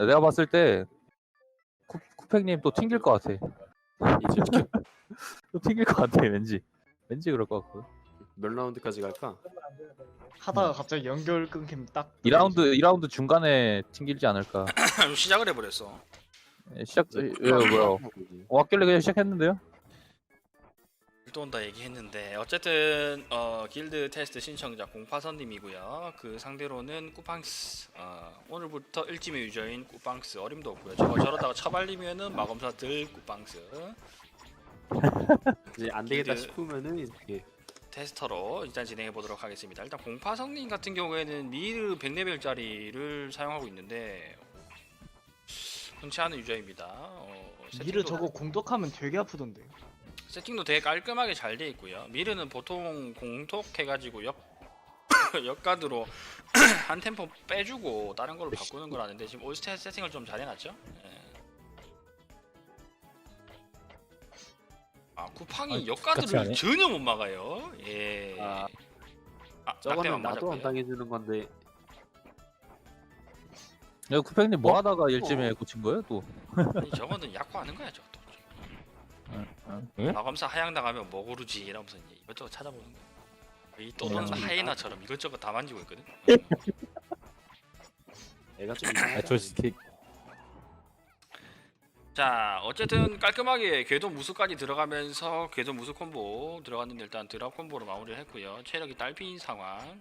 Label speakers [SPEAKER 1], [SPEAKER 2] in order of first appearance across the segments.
[SPEAKER 1] 내가 봤을 때 쿠팩님 또 튕길 것 같아. 또 튕길 것 같아 왠지 그럴 것 같고.
[SPEAKER 2] 몇 라운드까지 갈까?
[SPEAKER 3] 하다가 갑자기 연결 끊김 딱
[SPEAKER 1] 2라운드 중간에 튕길지 않을까.
[SPEAKER 4] 시작을 해버렸어.
[SPEAKER 1] 시작 뭐야? 왔길래 그냥 시작했는데요?
[SPEAKER 4] 또 온다 얘기했는데 어쨌든 길드 테스트 신청자 공파선님이고요. 그 상대로는 꾸팡스 오늘부터 일지의 유저인 꾸팡스 어림도 없고요. 저러다가 처발리면은 마검사 들 꾸팡스
[SPEAKER 2] 이제 안 되겠다
[SPEAKER 4] 길드
[SPEAKER 2] 싶으면은 이제
[SPEAKER 4] 테스터로 일단 진행해 보도록 하겠습니다. 일단 공파성님 같은 경우에는 미르 100레벨짜리를 사용하고 있는데 흔치 않은 유저입니다.
[SPEAKER 3] 미르 저거 공독하면 되게 아프던데.
[SPEAKER 4] 세팅도 되게 깔끔하게 잘 돼 있고요. 미르는 보통 공톡해가지고 역가드로 한 템포 빼주고 다른 걸로 바꾸는 거라는데 지금 올스탯 세팅을 좀 잘 해놨죠. 예. 쿠팡이 역가드를 전혀 못 막아요. 예.
[SPEAKER 2] 저거는 나도 안 당해주는 건데.
[SPEAKER 1] 야 쿠팩님 뭐 하다가 일찜에 꽂힌 거예요 또?
[SPEAKER 4] 아니 저거는 약화하는 거야 저거.
[SPEAKER 1] 예?
[SPEAKER 4] 마검사 하향 당하면 뭐 고르지 이러면서 이제 이것저것 찾아보는 거야. 이 또는 하이에나처럼 이것저것 다 만지고 있거든.
[SPEAKER 2] 애가 좀
[SPEAKER 4] 자 어쨌든 깔끔하게 궤도 무수까지 들어가면서 궤도 무수 콤보 들어갔는데 일단 드랍 콤보로 마무리를 했고요. 체력이 딸피인 상황.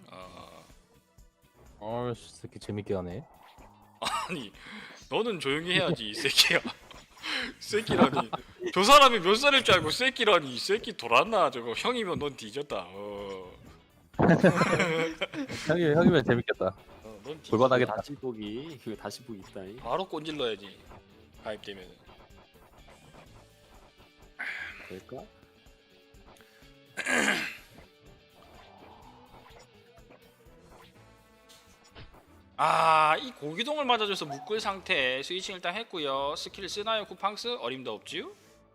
[SPEAKER 1] 새끼 재밌게 하네.
[SPEAKER 4] 아니 너는 조용히 해야지 이 새끼야. 새끼라니. 저 사람이 몇 살일 줄 알고 새끼라니. 이 새끼 돌았나 저거. 형이면 넌 뒤졌다.
[SPEAKER 1] 형이면 재밌겠다.
[SPEAKER 4] 넌
[SPEAKER 1] 골반하겠다.
[SPEAKER 2] 다시 보기 다시 보기 있다.
[SPEAKER 4] 바로 꼰질러야지. 가입되면.
[SPEAKER 2] 될까?
[SPEAKER 4] 이 고기동을 맞아줘서 묶을 상태 스위칭 일단 했고요. 스킬 쓰나요 쿠팡스? 어림도 없지요?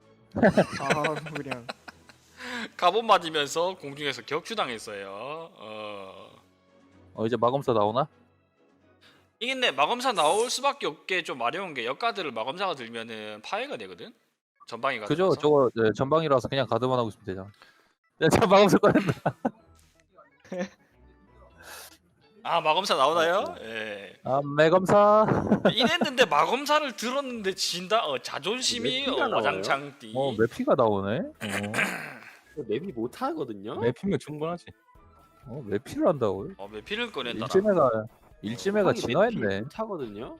[SPEAKER 3] 그냥
[SPEAKER 4] 갑옷 맞으면서 공중에서 격추당했어요.
[SPEAKER 1] 이제 마검사 나오나?
[SPEAKER 4] 이게 근데 마검사 나올 수밖에 없게 좀 마려운 게 역가드를 마검사가 들면은 파괴가 되거든? 전방이 가서.
[SPEAKER 1] 그죠? 저거 전방이라서 그냥 가드만 하고 있으면 되잖아. 야, 저 마검사 꺼낸다.
[SPEAKER 4] 마검사 나오나요? 예.
[SPEAKER 1] 매검사.
[SPEAKER 4] 이랬는데 마검사를 들었는데 진다. 자존심이
[SPEAKER 2] 맵피가 나와요?
[SPEAKER 4] 와장창띠.
[SPEAKER 1] 매피가 나오네.
[SPEAKER 2] 맵이 못 하거든요.
[SPEAKER 1] 매피면 충분하지. 매피를 한다고요?
[SPEAKER 4] 매피를 꺼낸다.
[SPEAKER 1] 일찜해가 진화했네.
[SPEAKER 2] 못 하거든요.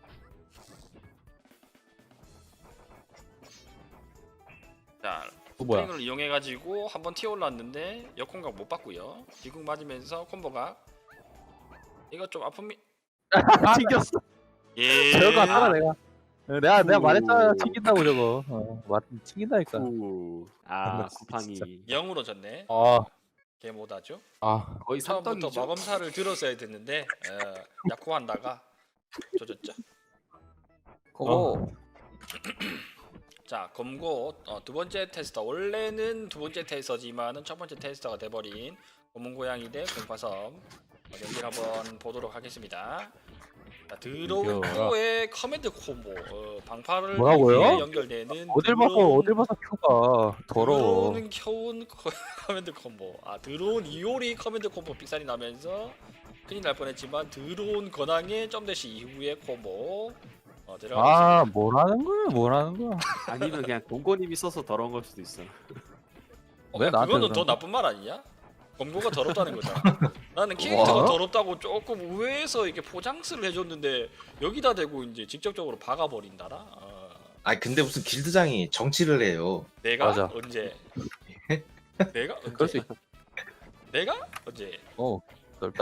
[SPEAKER 4] 자,
[SPEAKER 1] 뭐야?
[SPEAKER 4] 스프링을 이용해가지고 한번 튀어 올랐는데 역공각 못 받고요. 뒤궁 맞으면서 콤보가 이거 좀 아픕니다.
[SPEAKER 1] 튕겼어.
[SPEAKER 4] 예.
[SPEAKER 1] 저거 알아 내가 말했잖아. 튕긴다고 저거. 튕긴다니까.
[SPEAKER 2] 쿠팡이
[SPEAKER 4] 0으로 졌네. 개모다죠.
[SPEAKER 2] 거의
[SPEAKER 4] 처음부터
[SPEAKER 2] 3등이죠.
[SPEAKER 4] 마검사를 들었어야 됐는데 약호한다가 조졌죠.
[SPEAKER 1] 그거
[SPEAKER 4] 자 검고 두 번째 테스터 원래는 두 번째 테스터지만은 첫 번째 테스터가 돼버린 검은고양이 대 공파섬 경기를 한번 보도록 하겠습니다. 자, 드로운 큐의 커맨드 콤보 방파를
[SPEAKER 1] 뭐라고요?
[SPEAKER 4] 위해 연결되는
[SPEAKER 1] 어딜 봐서 큐가 더러워.
[SPEAKER 4] 드로운 켜운 커맨드 콤보. 드로운 이오리 커맨드 콤보 삑살이 나면서 큰일 날 뻔했지만 드로운 권항의 점대시 이후의 콤보 들어가겠습니다.
[SPEAKER 1] 뭐라는 거야?
[SPEAKER 2] 아니면 그냥 동건님이 써서 더러운 걸 수도 있어.
[SPEAKER 1] 왜 나한테
[SPEAKER 4] 그거는
[SPEAKER 1] 그러는
[SPEAKER 4] 더
[SPEAKER 1] 거야?
[SPEAKER 4] 나쁜 말 아니냐? 검거가 더럽다는 거잖아. 나는 캐릭터가 더럽다고 조금 우회해서 이렇게 포장스를 해줬는데 여기다 대고 이제 직접적으로 박아버린다라.
[SPEAKER 5] 근데 무슨 길드장이 정치를 해요.
[SPEAKER 4] 내가
[SPEAKER 1] 맞아.
[SPEAKER 4] 언제? 내가 언제?
[SPEAKER 1] 그럴 수 있다.
[SPEAKER 4] 내가 언제?
[SPEAKER 1] 넓다.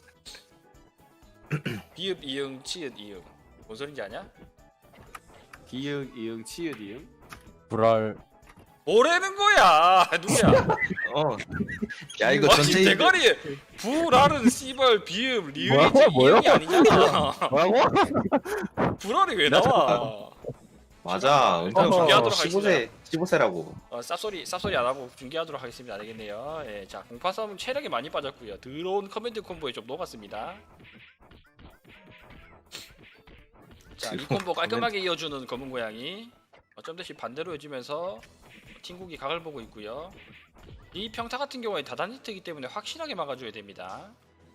[SPEAKER 4] 비읍 이응 치읓 이응 뭔 소린지 아냐?
[SPEAKER 2] 기역 이응 치읓 이응.
[SPEAKER 1] 불알.
[SPEAKER 4] 뭐라는 거야? 누구야?
[SPEAKER 5] 야 이거 전체
[SPEAKER 4] 대가리 불알은 씨발 비읍 리을이지
[SPEAKER 1] 뭐라고요?
[SPEAKER 4] 이응이 아니잖아.
[SPEAKER 1] 뭐라고?
[SPEAKER 4] 불알이 왜 나와?
[SPEAKER 5] 맞아.
[SPEAKER 4] 중계하도록
[SPEAKER 5] 15세라고.
[SPEAKER 4] 쌉소리 안 하고 중계하도록 하겠습니다. 알겠네요. 예, 자 공파섬은 체력이 많이 빠졌고요. 드론 커맨드 콤보에 좀 녹았습니다. 자, 이 콤보 깔끔하게 이어주는 검은 고양이. 점 대신 반대로 이어지면서 팀국이 각을 보고 있고요. 이 평타 같은 경우에 다단히트이기 때문에 확실하게 막아줘야 됩니다.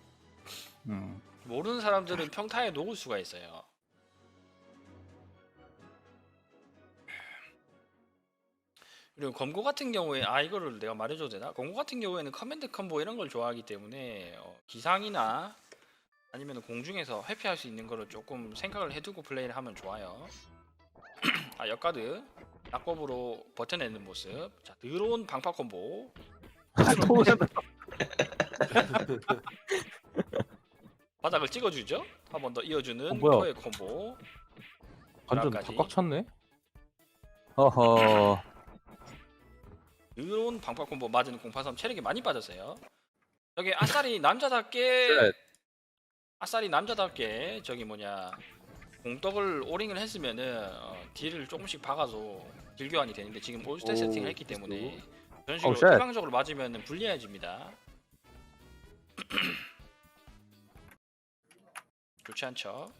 [SPEAKER 4] 모르는 사람들은 평타에 녹을 수가 있어요. 그리고 검고 같은 경우에 이거를 내가 말해줘도 되나? 검고 같은 경우에는 커맨드 컴보 이런 걸 좋아하기 때문에 기상이나 아니면 공중에서 회피할 수 있는 거를 조금 생각을 해두고 플레이를 하면 좋아요. 역가드 낙법으로 버텨내는 모습. 자, 드론 방파 콤보. 바닥을 찍어주죠. 한 번 더 이어주는
[SPEAKER 1] 뭐야?
[SPEAKER 4] 토의 콤보.
[SPEAKER 1] 완전
[SPEAKER 4] 드랍까지.
[SPEAKER 1] 꽉 찼네. 어허.
[SPEAKER 4] 드론 방파 콤보 맞은 공파섬 체력이 많이 빠졌어요. 여기 아싸리 남자답게
[SPEAKER 1] 셋.
[SPEAKER 4] 저기 뭐냐 공떡을 오링을 했으면은 딜을 조금씩 박아서 딜 교환이 되는데 지금 올스탯 세팅을 했기 때문에 그런 식으로
[SPEAKER 1] 쉣.
[SPEAKER 4] 일방적으로 맞으면 불리해집니다. 좋지 않죠?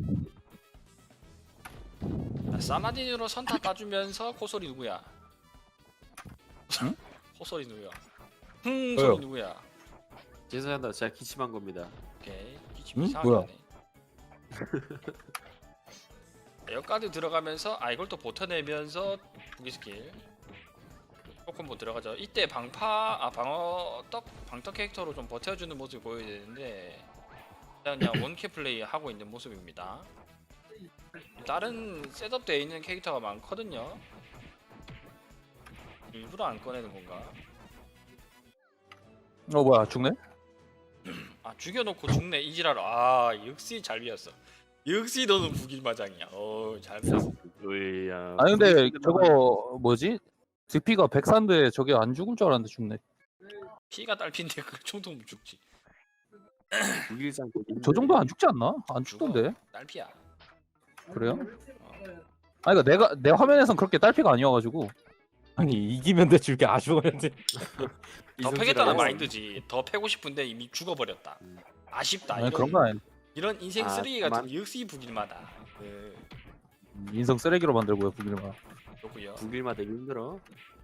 [SPEAKER 4] 자, 사마딘으로 선타 따주면서 코소리 누구야?
[SPEAKER 1] 응?
[SPEAKER 4] 코소리 누구야?
[SPEAKER 1] 왜요?
[SPEAKER 4] 소리 누구야?
[SPEAKER 2] 죄송합니다. 제가 기침한 겁니다.
[SPEAKER 4] 오케이 기침
[SPEAKER 1] 응?
[SPEAKER 4] 이상하게
[SPEAKER 1] 뭐야?
[SPEAKER 4] 하네. 역가드 들어가면서 이걸 또 버텨내면서 부기 스킬 조금 들어가죠. 이때 방떡 캐릭터로 좀 버텨주는 모습을 보여야 되는데 일단 그냥 원캐 플레이 하고 있는 모습입니다. 다른 셋업되어 있는 캐릭터가 많거든요. 일부러 안 꺼내는 건가?
[SPEAKER 1] 뭐야 죽네?
[SPEAKER 4] 죽여놓고 죽네 이지랄. 역시 잘 비었어. 역시 너는 북일마장이야. 잘 비었어.
[SPEAKER 2] 으야.
[SPEAKER 1] 아니 근데 저거 뭐지? 득피가 104인데 저게 안 죽을 줄 알았는데 죽네.
[SPEAKER 4] 피가 딸핀데 그 정도면 죽지.
[SPEAKER 2] 북일장
[SPEAKER 1] 저 정도 안 죽지 않나? 안
[SPEAKER 4] 죽어.
[SPEAKER 1] 죽던데.
[SPEAKER 4] 딸피야.
[SPEAKER 1] 그래요? 아니 그러니까 내 화면에선 그렇게 딸피가 아니어가지고.
[SPEAKER 6] 아니 이기면 돼 줄게 아쉬웠는데.
[SPEAKER 4] 더 패겠다는 마인드지. 더 패고 싶은데 이미 죽어버렸다. 아쉽다.
[SPEAKER 1] 아니 그런 건 아니.
[SPEAKER 4] 이런 인생
[SPEAKER 2] 아,
[SPEAKER 4] 쓰레기 같은
[SPEAKER 2] 그만.
[SPEAKER 4] 게 역시 북일마다.
[SPEAKER 1] 인성 쓰레기로 만들고요 북일만.
[SPEAKER 4] 그렇고요.
[SPEAKER 2] 북일마 되기 힘들어.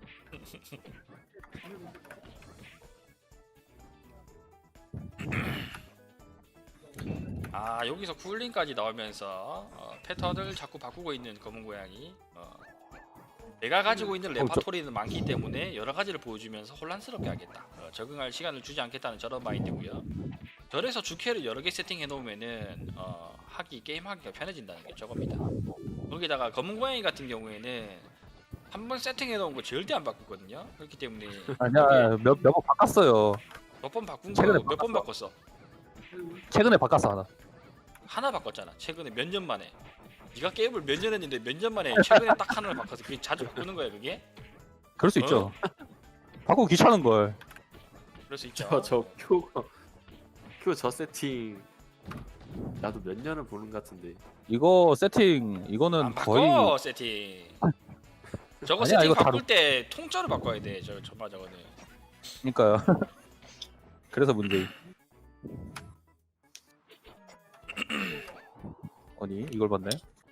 [SPEAKER 4] 여기서 쿨링까지 나오면서 패턴을 자꾸 바꾸고 있는 검은 고양이. 내가 가지고 있는 레파토리는 많기 때문에 여러 가지를 보여주면서 혼란스럽게 하겠다. 적응할 시간을 주지 않겠다는 저런 마인드고요. 절에서 주캐를 여러 개 세팅해 놓으면은 게임하기가 편해진다는 게 저겁니다. 거기다가 검은 고양이 같은 경우에는 한 번 세팅해 놓은 거 절대 안 바꾸거든요. 그렇기 때문에
[SPEAKER 1] 아니야 몇 번 바꿨어요.
[SPEAKER 4] 몇 번 바꾼
[SPEAKER 1] 최근에
[SPEAKER 4] 거 몇 번 바꿨어?
[SPEAKER 1] 최근에 바꿨어 하나.
[SPEAKER 4] 하나 바꿨잖아. 최근에 몇 년 만에. 네가 게임을 몇 년 했는데 몇 년 만에 최근에 딱 하나를 바꿔서 그게 자주 바꾸는 거야 그게?
[SPEAKER 1] 그럴 수 있죠. 바꾸고 귀찮은 걸.
[SPEAKER 4] 그럴 수 있죠.
[SPEAKER 2] 저 큐 저 세팅 나도 몇 년을 보는 것 같은데.
[SPEAKER 1] 이거 세팅 이거는
[SPEAKER 4] 안 바꿔
[SPEAKER 1] 거의
[SPEAKER 4] 세팅. 저거
[SPEAKER 1] 아니야,
[SPEAKER 4] 세팅
[SPEAKER 1] 이거
[SPEAKER 4] 바꿀 때 통째로 바꿔야 돼. 저거는.
[SPEAKER 1] 그러니까요. 그래서 문제. 아니 이걸 봤네.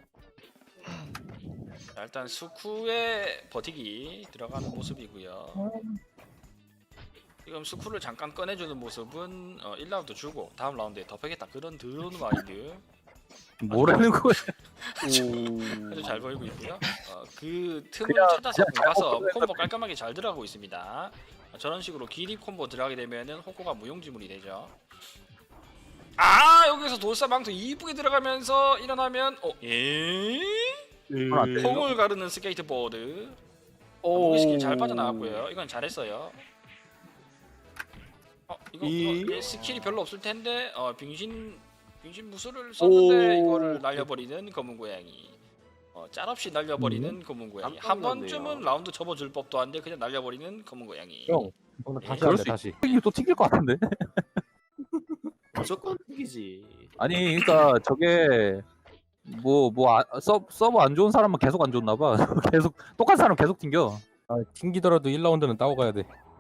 [SPEAKER 4] 자, 일단 수쿠의 버티기 들어가는 모습이고요. 지금 수쿠를 잠깐 꺼내주는 모습은 1라운드 주고 다음 라운드에 덮어겠다 그런 드론 마인드
[SPEAKER 1] 뭐라는 거야?
[SPEAKER 4] 아주 잘 보이고 있고요. 그 틈을
[SPEAKER 1] 그냥-
[SPEAKER 4] 찾아서
[SPEAKER 1] 그냥
[SPEAKER 4] 가서
[SPEAKER 1] 잘못
[SPEAKER 4] 콤보 깔끔하게 잘 들어가고 있습니다. 저런 식으로 기립 콤보 들어가게 되면은 호코가 무용지물이 되죠. 여기서 돌사망토 이쁘게 들어가면서 일어나면
[SPEAKER 1] 안 돼요?
[SPEAKER 4] 콩을 가르는 스케이트보드. 무기 스킬 잘 빠져나왔고요. 이건 잘했어요. 이거 스킬이 별로 없을 텐데 빙신 무술을 썼는데 이거를 날려버리는 검은 고양이. 짤없이 날려버리는 검은 고양이. 한
[SPEAKER 2] 깜짝 놀랐네요.
[SPEAKER 4] 번쯤은 라운드 접어줄 법도 한데 그냥 날려버리는 검은 고양이.
[SPEAKER 6] 형 오늘 다시
[SPEAKER 1] 그럴
[SPEAKER 6] 할래
[SPEAKER 1] 수
[SPEAKER 6] 다시.
[SPEAKER 1] 이게 또 튕길 것 같은데?
[SPEAKER 2] 무조건 이기지.
[SPEAKER 1] 아니 그러니까 저게 서버 안 좋은 사람은 계속 안 좋나 봐. 계속 똑같은 사람 계속 튕겨.
[SPEAKER 6] 튕기더라도 1라운드는 따고 가야 돼.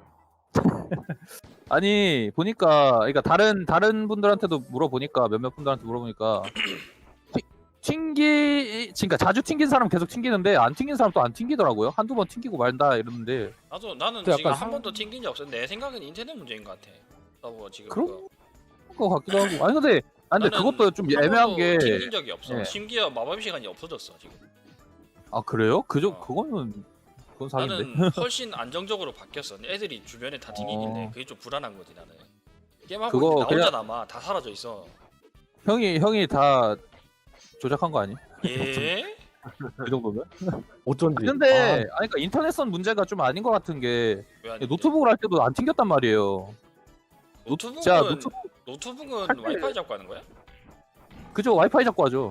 [SPEAKER 1] 아니 보니까 그러니까 다른 분들한테도 물어보니까 몇몇 분들한테 물어보니까 그러니까 자주 튕긴 사람 계속 튕기는데 안 튕긴 사람 또 안 튕기더라고요. 한두 번 튕기고 말다 이러는데.
[SPEAKER 4] 나는
[SPEAKER 6] 또
[SPEAKER 4] 지금
[SPEAKER 6] 약간
[SPEAKER 4] 한 번도 튕긴 적 없어. 내 생각엔 인터넷 문제인 것 같아. 뭐 지금
[SPEAKER 1] 그런 것 같기도 하고. 아니 근데
[SPEAKER 4] 나는
[SPEAKER 1] 그것도 좀
[SPEAKER 4] 한
[SPEAKER 1] 애매한
[SPEAKER 4] 번도
[SPEAKER 1] 게.
[SPEAKER 4] 튕긴 적이 없어.
[SPEAKER 1] 예.
[SPEAKER 4] 심지어 마법 시간이 없어졌어 지금.
[SPEAKER 1] 아 그래요?
[SPEAKER 4] 어.
[SPEAKER 1] 그건 사기인데.
[SPEAKER 4] 나는 훨씬 안정적으로 바뀌었어. 애들이 주변에 다 튕기길래 그게 좀 불안한 거지 나는. 게임하고
[SPEAKER 1] 그거
[SPEAKER 4] 있는데 나 혼자
[SPEAKER 1] 그냥-
[SPEAKER 4] 남아. 다 사라져 있어.
[SPEAKER 1] 형이 다 조작한 거 아니?
[SPEAKER 4] 예?
[SPEAKER 1] 그 정도면?
[SPEAKER 6] 어쩐지.
[SPEAKER 1] 근데 그러니까 인터넷선 문제가 좀 아닌 것 같은 게
[SPEAKER 4] 왜 아닌데?
[SPEAKER 1] 노트북을 할 때도 안 튕겼단 말이에요.
[SPEAKER 4] 노트북은
[SPEAKER 1] 자
[SPEAKER 4] 노트북은
[SPEAKER 1] 할 때-
[SPEAKER 4] 와이파이 잡고 하는 거야?
[SPEAKER 1] 그죠 와이파이 잡고 하죠.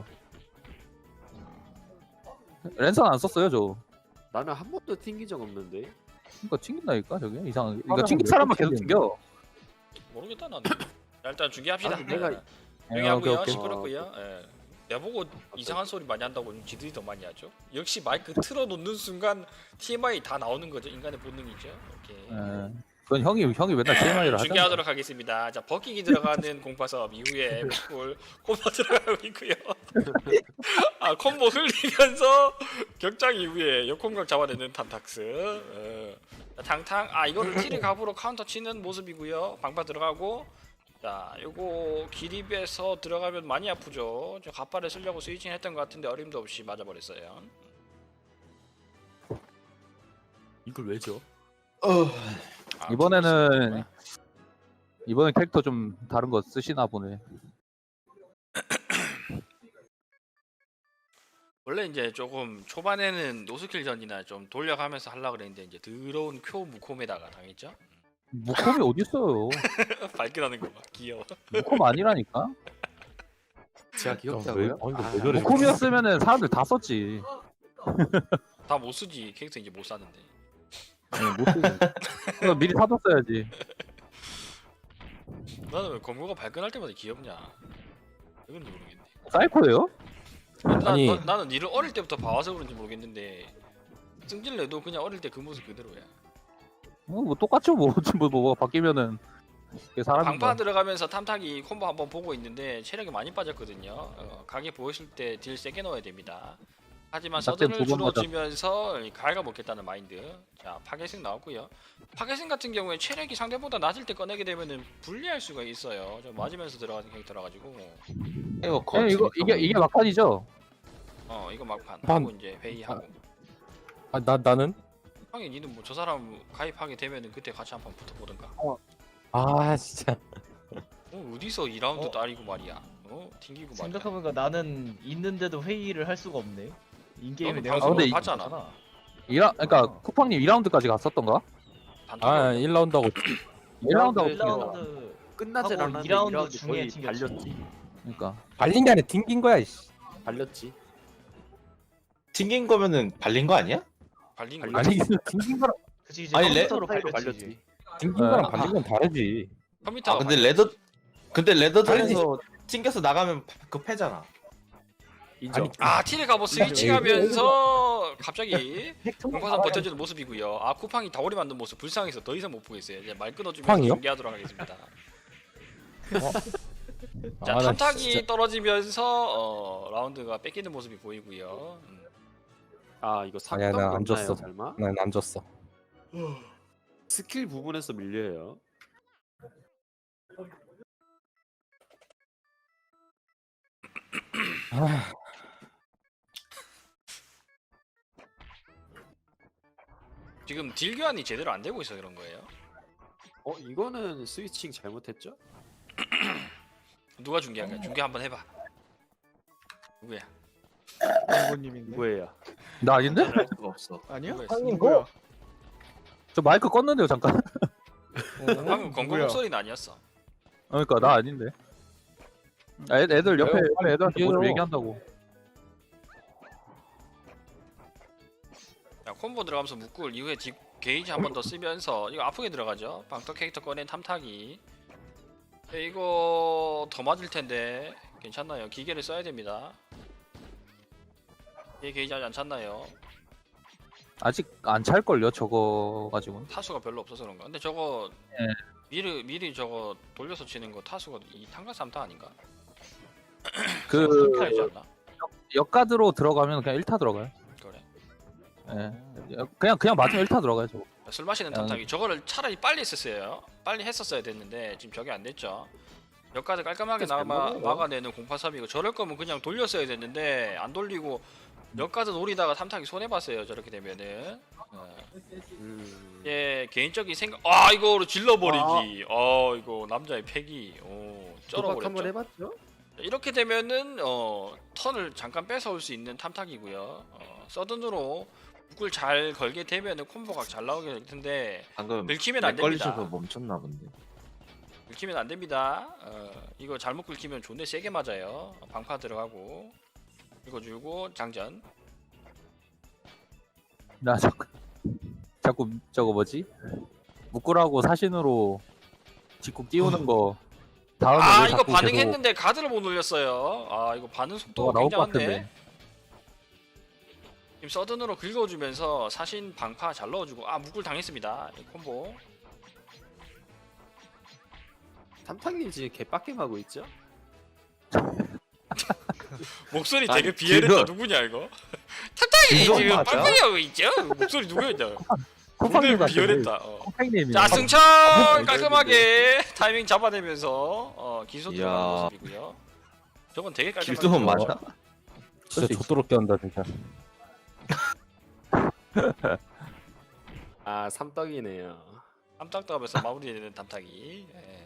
[SPEAKER 1] 랜선 안 썼어요 저.
[SPEAKER 2] 나는 한 번도 튕긴 적 없는데.
[SPEAKER 1] 그러니까 튕긴다니까 저게 이상하게. 그러니까
[SPEAKER 6] 화면은
[SPEAKER 1] 튕긴
[SPEAKER 6] 왜
[SPEAKER 1] 사람만
[SPEAKER 6] 또
[SPEAKER 1] 계속
[SPEAKER 6] 튕기는데?
[SPEAKER 1] 튕겨.
[SPEAKER 4] 모르겠다 나는. 자, 일단 중계합시다.
[SPEAKER 2] 아니, 내가-
[SPEAKER 4] 중계하고요.
[SPEAKER 1] 오케이.
[SPEAKER 4] 시끄럽고요. 예. 내보고 이상한 소리 많이 한다고 지들이 더 많이 하죠. 역시 마이크 틀어놓는 순간 TMI 다 나오는 거죠. 인간의 본능이죠. 오케이.
[SPEAKER 1] 예. 그건 형이 맨날 TMI를 하잖아.
[SPEAKER 4] 중계하도록 하겠습니다. 자 버킹이 들어가는 공파섭 이후에 볼 콤보 들어가고 있고요. 아 콤보 흘리면서 격장 이후에 역공격 잡아내는 탐탁스. 자, 탕탕 이거를 티를 갑으로 카운터 치는 모습이고요. 방파 들어가고 자 요거 기립에서 들어가면 많이 아프죠. 저 갑발을 쓰려고 스위칭 했던 것 같은데 어림도 없이 맞아버렸어요.
[SPEAKER 2] 이걸 왜 줘?
[SPEAKER 1] 이번에는 캐릭터 좀 다른 거 쓰시나 보네.
[SPEAKER 4] 원래 이제 조금 초반에는 노스킬전이나 좀 돌려가면서 하려고 그랬는데 이제 더러운 쿄 무콤에다가 당했죠.
[SPEAKER 1] 무콤이 어딨어요?
[SPEAKER 4] 발끈하는 거 봐. 귀여워.
[SPEAKER 1] 무콤 아니라니까?
[SPEAKER 2] 제가
[SPEAKER 6] 왜?
[SPEAKER 2] 귀엽다고요?
[SPEAKER 6] 이거 왜 저래?
[SPEAKER 1] 무콤이었으면은 사람들 다 썼지.
[SPEAKER 4] 다 못 쓰지. 캐릭터 이제 못 사는데.
[SPEAKER 1] 못 쓰지. 그거 미리 사뒀어야지.
[SPEAKER 4] 나는 왜 검거가 발끈할 때마다 귀엽냐? 왜 그런지 모르겠네.
[SPEAKER 1] 사이코예요?
[SPEAKER 6] 아니.
[SPEAKER 4] 나는 니를 어릴 때부터 봐와서 그런지 모르겠는데 승질 내도 그냥 어릴 때 그 모습 그대로야.
[SPEAKER 1] 뭐 똑같죠 뭐. 뭐가 바뀌면은 그게 사람인가.
[SPEAKER 4] 방파 들어가면서 탐탁이 콤보 한번 보고 있는데 체력이 많이 빠졌거든요. 각이 보였을 때 딜 세게 넣어야 됩니다. 하지만
[SPEAKER 1] 낙제
[SPEAKER 4] 서든을
[SPEAKER 1] 두번 맞아.
[SPEAKER 4] 줄여주면서 갈가 먹겠다는 마인드. 자 파괴생 나왔고요. 파괴생 같은 경우에 체력이 상대보다 낮을 때 꺼내게 되면은 불리할 수가 있어요. 좀 맞으면서 들어가는 캐릭터라 가지고.
[SPEAKER 1] 이게 막판이죠.
[SPEAKER 4] 이거 막판
[SPEAKER 6] 반.
[SPEAKER 4] 하고 이제 회의하고.
[SPEAKER 6] 나는
[SPEAKER 4] 형이 니는 뭐 저 사람 가입하게 되면은 그때 같이 한번 붙어보든가.
[SPEAKER 6] 진짜.
[SPEAKER 4] 어디서 2라운드 따리고 말이야. 튕기고 말이야.
[SPEAKER 3] 생각해보니까 나는 있는데도 회의를 할 수가 없네. 인게임에
[SPEAKER 4] 너는
[SPEAKER 3] 내가
[SPEAKER 4] 방송을
[SPEAKER 1] 근데
[SPEAKER 4] 봤잖아.
[SPEAKER 1] 그러니까 쿠팡님 2라운드까지 갔었던가?
[SPEAKER 4] 단톡에
[SPEAKER 6] 1라운드 하고
[SPEAKER 1] 1라운드 하고
[SPEAKER 3] 1라운드
[SPEAKER 2] 끝나질
[SPEAKER 3] 하고
[SPEAKER 2] 않았는데
[SPEAKER 3] 2라운드
[SPEAKER 2] 2라운드
[SPEAKER 3] 중에
[SPEAKER 2] 거의
[SPEAKER 3] 튕겼지.
[SPEAKER 2] 발렸지.
[SPEAKER 1] 그러니까
[SPEAKER 6] 발린 게 아니라 튕긴 거야. 이씨.
[SPEAKER 2] 발렸지.
[SPEAKER 5] 튕긴 거면은 발린 거 아니야?
[SPEAKER 4] 발린
[SPEAKER 2] 발린
[SPEAKER 4] 거.
[SPEAKER 6] 아니 튕긴 거랑
[SPEAKER 3] 그치 이제
[SPEAKER 5] 아니,
[SPEAKER 3] 컴퓨터로
[SPEAKER 2] 사이로
[SPEAKER 3] 발렸지.
[SPEAKER 2] 발렸지.
[SPEAKER 6] 튕긴 거랑 발린 건 다르지.
[SPEAKER 4] 컴퓨터.
[SPEAKER 5] 근데 레더전에서 튕겨서 나가면 그 패잖아.
[SPEAKER 2] 인정.
[SPEAKER 4] 티를 가보 스위칭하면서 갑자기 공파선 버텨주는 모습이고요. 쿠팡이 다오리 만든 모습 불쌍해서 더 이상 못 보겠어요. 이제 말 끊어주면서
[SPEAKER 6] 쿠팡이요?
[SPEAKER 4] 중계하도록 하겠습니다. 자
[SPEAKER 6] 나
[SPEAKER 4] 탐탁이
[SPEAKER 6] 진짜-
[SPEAKER 4] 떨어지면서 라운드가 뺏기는 모습이 보이고요.
[SPEAKER 2] 이거
[SPEAKER 6] 아니야,
[SPEAKER 2] 상담
[SPEAKER 6] 난안 졌어.
[SPEAKER 2] 설마?
[SPEAKER 6] 난 안 졌어.
[SPEAKER 2] 스킬 부분에서 밀려요.
[SPEAKER 4] 지금 딜 교환이 제대로 안 되고 있어 그런 거예요.
[SPEAKER 2] 이거는 스위칭 잘못했죠?
[SPEAKER 4] 누가 중계한 거야? 중계 한번 해봐. 누구야?
[SPEAKER 3] 부모님인데.
[SPEAKER 2] 누구예요?
[SPEAKER 1] 나 아닌데?
[SPEAKER 5] 할 수가 없어.
[SPEAKER 3] 아니야?
[SPEAKER 4] 누구야?
[SPEAKER 3] 누구야?
[SPEAKER 1] 저 마이크 껐는데요 잠깐.
[SPEAKER 4] 방금 건강
[SPEAKER 3] 누구야?
[SPEAKER 4] 목소리는 아니었어.
[SPEAKER 1] 그러니까 나 아닌데. 애들 옆에
[SPEAKER 6] 빨리
[SPEAKER 1] 애들한테 뭐 좀
[SPEAKER 6] 얘기해요.
[SPEAKER 1] 얘기한다고.
[SPEAKER 4] 자, 콤보 들어가면서 묶을 이후에 게이지 한 번 더 쓰면서 이거 아프게 들어가죠. 방터 캐릭터 꺼낸 탐탁이. 이거 더 맞을 텐데 괜찮나요? 기계를 써야 됩니다. 얘 게이지 아직 안 찼나요?
[SPEAKER 1] 아직 안 찰걸요 저거 가지고.
[SPEAKER 4] 타수가 별로 없어서 그런가? 근데 저거
[SPEAKER 1] 예.
[SPEAKER 4] 미리 저거 돌려서 치는 거 타수가 2탄가 3탄 아닌가?
[SPEAKER 1] 그
[SPEAKER 4] 3탄이지 않나?
[SPEAKER 1] 역가드로 들어가면 그냥 1타 들어가요.
[SPEAKER 4] 그래.
[SPEAKER 1] 예. 그냥 맞으면 1타 들어가요, 저거.
[SPEAKER 4] 술 마시는 탐탁이 저거를 차라리 빨리 했었어요. 빨리 했었어야 됐는데 지금 저게 안 됐죠. 역까지 깔끔하게 막아내는 083이고 저럴 거면 그냥 돌렸어야 됐는데 안 돌리고 역까지 노리다가 탐탁이 손해 봤어요. 저렇게 되면은. 예, 개인적인 생각. 아, 이거로 질러버리기. 이거 남자의 패기.
[SPEAKER 2] 도박 한번
[SPEAKER 4] 쩔어버렸죠.
[SPEAKER 2] 해봤죠?
[SPEAKER 4] 이렇게 되면은 턴을 잠깐 뺏어올 수 있는 탐탁이고요. 서든으로 북을 잘 걸게 되면은 콤보가 잘 나오게 될 텐데
[SPEAKER 5] 방금
[SPEAKER 4] 긁히면 안
[SPEAKER 5] 걸리셔서
[SPEAKER 4] 됩니다.
[SPEAKER 5] 멈췄나 본데.
[SPEAKER 4] 긁히면 안 됩니다. 이거 잘못 긁히면 존내 세게 맞아요. 방파 들어가고 긁어주고 장전.
[SPEAKER 1] 나 자꾸 저거 뭐지? 묶으라고 사신으로 직국 띄우는 거 다음에
[SPEAKER 4] 아,
[SPEAKER 1] 왜
[SPEAKER 4] 이거
[SPEAKER 1] 자꾸
[SPEAKER 4] 반응했는데 가드를 못 올렸어요. 아, 이거 반응
[SPEAKER 1] 계속
[SPEAKER 4] 속도가
[SPEAKER 1] 뭐가 나올 것
[SPEAKER 4] 굉장한데.
[SPEAKER 1] 같은데.
[SPEAKER 4] 지금 서든으로 긁어주면서 사신 방파 잘 넣어주고 묶을 당했습니다. 이 콤보.
[SPEAKER 2] 탐탁님 지금 개빡겜하고 있죠?
[SPEAKER 4] 목소리
[SPEAKER 5] 아니,
[SPEAKER 4] 되게 비엘했다.
[SPEAKER 5] 지금-
[SPEAKER 4] 누구냐 이거? 탐탁이
[SPEAKER 5] 지금
[SPEAKER 4] 지금
[SPEAKER 5] 맞아?
[SPEAKER 4] 빡빡이 하고 있죠? 목소리 누구였냐?
[SPEAKER 1] 쿠팡님
[SPEAKER 4] 오늘
[SPEAKER 1] 같은
[SPEAKER 4] 비열했다.
[SPEAKER 1] 콩팽님이.
[SPEAKER 4] 자, 승천 깔끔하게 타이밍 잡아내면서 기소
[SPEAKER 5] 이야.
[SPEAKER 4] 들어가는 모습이고요. 저건 되게 깔끔하게.
[SPEAKER 5] 길드문 맞아?
[SPEAKER 6] 진짜 좆도롭게 한다 진짜.
[SPEAKER 2] 아 삼떡이네요.
[SPEAKER 4] 깜짝도 하면서 마무리되는 담탁이. 예.